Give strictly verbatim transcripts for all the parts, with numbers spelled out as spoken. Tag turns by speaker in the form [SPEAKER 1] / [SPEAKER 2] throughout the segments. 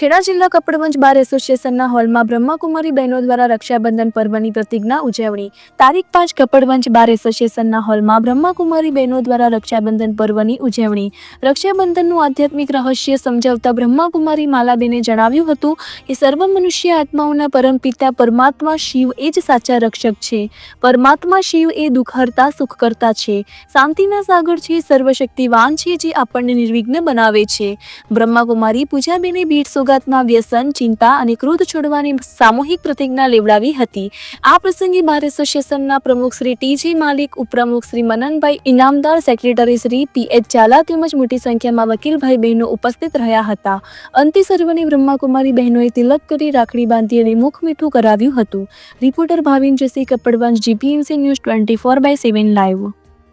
[SPEAKER 1] ખેડા જિલ્લા કપડવંજ બાર એસોસિએશનના હોલમાં બ્રહ્માકુમારી બહેનો દ્વારા રક્ષાબંધન પર્વની પ્રતિજ્ઞા ઉજવણી. તારીખ પાંચ કપડવંજ બાર એસોસિએશનના હોલમાં બ્રહ્માકુમારી બહેનો દ્વારા રક્ષાબંધન પર્વની ઉજવણી. રક્ષાબંધનનું આધ્યાત્મિક રહસ્ય સમજાવતા બ્રહ્માકુમારી માલાબેને જણાવ્યું હતું કે સર્વ મનુષ્ય આત્માઓના પરમપિતા પરમાત્મા શિવ એ જ સાચા રક્ષક છે. પરમાત્મા શિવ એ દુઃખહર્તા સુખકર્તા છે, શાંતિના સાગર છે, સર્વશક્તિવાન છે, જે આપણને નિર્વિઘ્ન બનાવે છે. બ્રહ્માકુમારી પૂજાબેને ભીડ સોગાતના વ્યસન, ચિંતા અને ક્રોધ છોડવાની સામૂહિક પ્રતિજ્ઞા લેવડાવી હતી. આ પ્રસંગે બાર એસોસિએશનના પ્રમુખ શ્રી ટી જે માલિક, ઉપપ્રમુખ Shri Mananbhai Inamdar, secretary Shri P H Zala તેમજ મોટી સંખ્યામાં વકીલભાઈ બહેનો ઉપસ્થિત રહ્યા હતા. અંતે સર્વને બ્રહ્માકુમારી બહેનોએ તિલક કરી રાખડી બાંધી અને મુખ મીઠું કરાવ્યું હતું. Reporter Bhavin Jasi, Kapadvanj, GPMC news twenty four by seven live.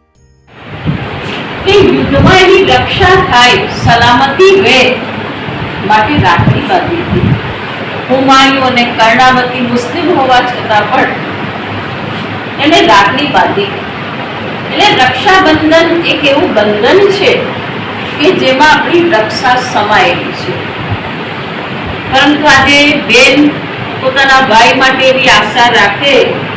[SPEAKER 2] કે યુદ્ધમાં એની રક્ષા થાય, સલામતી રહે માટે રાખડી બાંધી હતી. હુમાયુ અને કર્ણાવતી મુસ્લિમ હોવા છતાં પણ એને રાખડી બાંધી. એટલે રક્ષાબંધન એક એવું બંધન છે કે જેમાં આપણી રક્ષા સમાયેલી છે. પરંતુ આજે બેન પોતાના ભાઈ માટે એવી આશા રાખે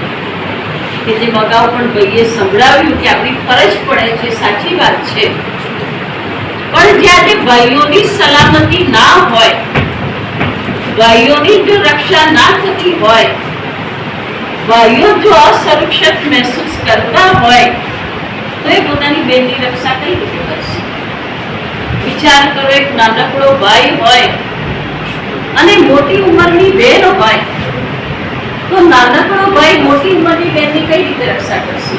[SPEAKER 2] કે જે અગાઉ પણ ભાઈએ સંભળાવ્યું કે આપણી ફરજ પડે છે, સાચી વાત છે. પણ જ્યારે ભાઈઓની સલામતી ના હોય, ભાઈઓની જો રક્ષા ના થતી હોય, ભાઈઓ જો અસુરક્ષિત મહેસૂસ કરતા હોય તો એ પોતાની બેનની રક્ષા કઈ રીતે કરશે? વિચાર કરો, એક નાનકડો ભાઈ હોય અને મોટી ઉંમરની બેન હોય તો નાનકડો ભાઈ મોટી ઉંમરની બેનની કઈ રીતે રક્ષા કરશે?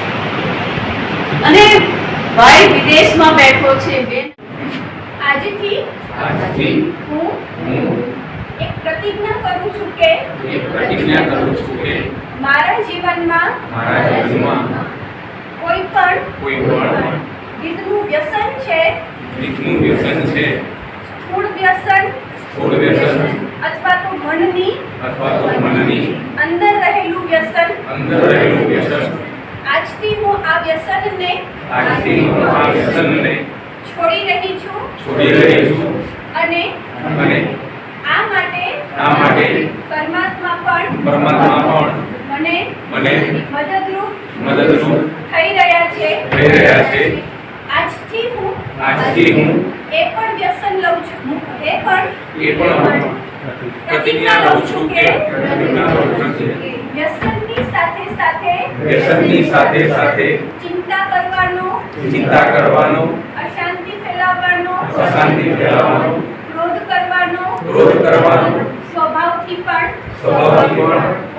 [SPEAKER 2] અને ભાઈ વિદેશમાં બેઠો છે, બેન
[SPEAKER 3] આજથી
[SPEAKER 4] આજથી
[SPEAKER 3] હું એક પ્રતિજ્ઞા કરું છું કે
[SPEAKER 4] એક પ્રતિજ્ઞા કરું છું કે
[SPEAKER 3] મારા જીવનમાં
[SPEAKER 4] મારા જીવનમાં
[SPEAKER 3] કોઈ પણ
[SPEAKER 4] કોઈ પણ
[SPEAKER 3] ગીતનું વ્યસન છે,
[SPEAKER 4] ગીતનું વ્યસન છે,
[SPEAKER 3] સ્થૂળ વ્યસન
[SPEAKER 4] સ્થૂળ વ્યસન
[SPEAKER 3] અથવા તો મનની
[SPEAKER 4] અથવા તો મનની
[SPEAKER 3] અંદર રહેલું વ્યસન,
[SPEAKER 4] અંદર રહેલું વ્યસન,
[SPEAKER 3] આજથી હું આ વ્યસનને
[SPEAKER 4] આજથી હું આ વ્યસનને
[SPEAKER 3] છોડી રહી છું
[SPEAKER 4] છોડી રહી છું
[SPEAKER 3] અને
[SPEAKER 4] અને
[SPEAKER 3] આ માટે
[SPEAKER 4] આ માટે
[SPEAKER 3] પરમાત્મા પણ
[SPEAKER 4] પરમાત્મા પણ
[SPEAKER 3] મને
[SPEAKER 4] મને
[SPEAKER 3] મદદરૂપ
[SPEAKER 4] મદદરૂપ
[SPEAKER 3] થઈ રહ્યા છે.
[SPEAKER 4] થઈ રહ્યા છે.
[SPEAKER 3] આજથી હું
[SPEAKER 4] આજથી હું
[SPEAKER 3] એ પણ વ્યસન લઉં છું એ પણ
[SPEAKER 4] એ પણ પ્રતિજ્ઞા લઉં છું કે પ્રતિજ્ઞા લઉં છું કે
[SPEAKER 3] વ્યસનની સાથે સાથે
[SPEAKER 4] વ્યસનની સાથે સાથે
[SPEAKER 3] ચિંતા કરવાનો,
[SPEAKER 4] ચિંતા કરવાનો,
[SPEAKER 3] અશાંતિ ફેલાવવાનો,
[SPEAKER 4] અશાંતિ ફેલાવવાનો,
[SPEAKER 3] ક્રોધ કરવાનો
[SPEAKER 4] ક્રોધ કરવાનો,
[SPEAKER 3] સ્વભાવથી પણ
[SPEAKER 4] સ્વભાવથી પણ